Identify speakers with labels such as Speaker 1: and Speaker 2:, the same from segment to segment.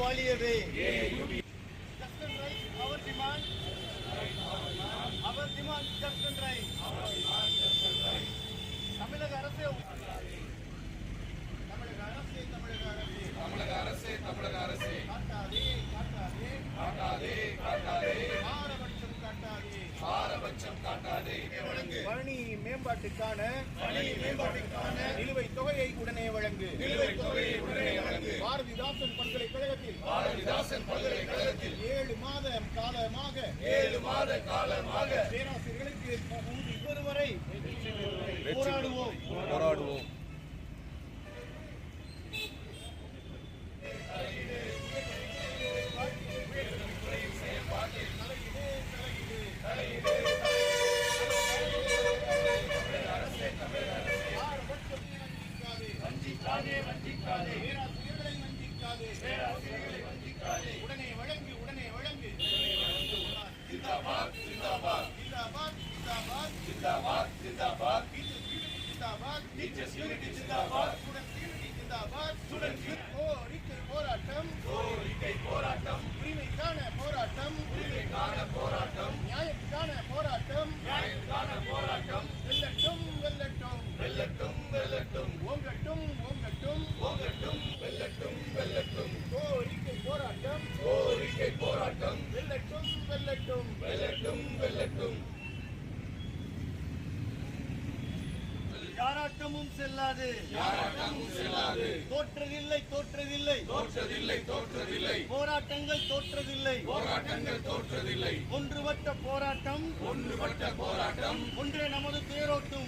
Speaker 1: வாழியவே. Just and right, our demand. Our demand, just and right. தமிழக அரசே தமிழக அரசே பாரபட்சம் காட்டாதே. பணி மேம்பாட்டுக்கான நிலுவைத் தொகையை உடனே வழங்கு. பாரதிதாசன் பல்கலைக்கழகத்தில் 7 மாத காலமாக பேராசிரியர்களுக்கு ஒருவரை போராடுவோம். உடனே வழங்கு. போராட்டம் உரிமைக்கான போராட்டம் நியாயத்துக்கான போராட்டம் வெல்லட்டும் ஓங்கட்டும் கோரிக்கை போராட்டம் வெல்லட்டும். யாராட்டமும் செல்லாது. தோற்றதில்லை. போராட்டங்கள் தோற்றதில்லை. ஒன்றுபட்ட போராட்டம் ஒன்றே நமது தேரோட்டும்.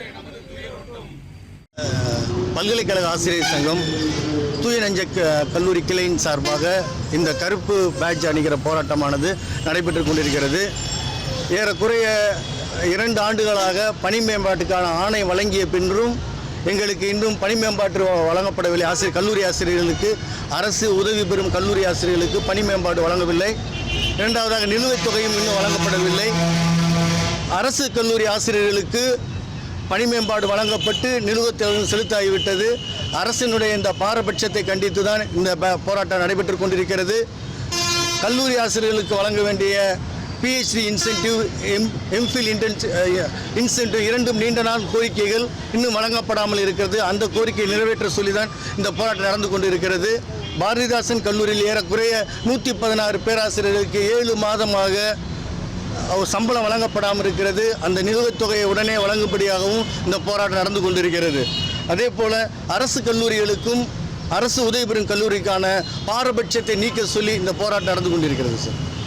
Speaker 2: பல்கலைக்கழக ஆசிரியர் சங்கம் தூய நெஞ்ச கல்லூரி கிளையின் சார்பாக இந்த கருப்பு பேட்ஜ் அணிகிற போராட்டமானது நடைபெற்று கொண்டிருக்கிறது. ஏறக்குறைய 2 ஆண்டுகளாக பணி மேம்பாட்டுக்கான ஆணை வழங்கிய பின்னும் எங்களுக்கு இன்னும் பணி மேம்பாட்டு வழங்கப்படவில்லை. கல்லூரி ஆசிரியர்களுக்கு, அரசு உதவி பெறும் கல்லூரி ஆசிரியர்களுக்கு பணி மேம்பாடு வழங்கவில்லை. இரண்டாவதாக நிலுவைத் தொகையும் இன்னும் வழங்கப்படவில்லை. அரசு கல்லூரி ஆசிரியர்களுக்கு பணி மேம்பாடு வழங்கப்பட்டு நிலுவைத் தொகை செலுத்தாகிவிட்டது. அரசினுடைய இந்த பாரபட்சத்தை கண்டித்து தான் இந்த போராட்டம் நடைபெற்று கொண்டிருக்கிறது. கல்லூரி ஆசிரியர்களுக்கு வழங்க வேண்டிய PhD இன்சென்டிவ், எம்ஃபில் இன்சென்டிவ் இரண்டும் நீண்ட நாள் கோரிக்கைகள் இன்னும் வழங்கப்படாமல் இருக்கிறது. அந்த கோரிக்கையை நிறைவேற்ற சொல்லி தான் இந்த போராட்டம் நடந்து கொண்டிருக்கிறது. பாரதிதாசன் கல்லூரியில் ஏறக்குறைய 116 பேராசிரியர்களுக்கு 7 மாதமாக சம்பளம் வழங்கப்படாமல் இருக்கிறது. அந்த நிலுவைத் தொகையை உடனே வழங்கும்படியாகவும் இந்த போராட்டம் நடந்து கொண்டிருக்கிறது. அதே போல் அரசு கல்லூரிகளுக்கும் அரசு உதவி பெறும் கல்லூரிக்கான பாரபட்சத்தை நீக்க சொல்லி இந்த போராட்டம் நடந்து கொண்டிருக்கிறது சார்.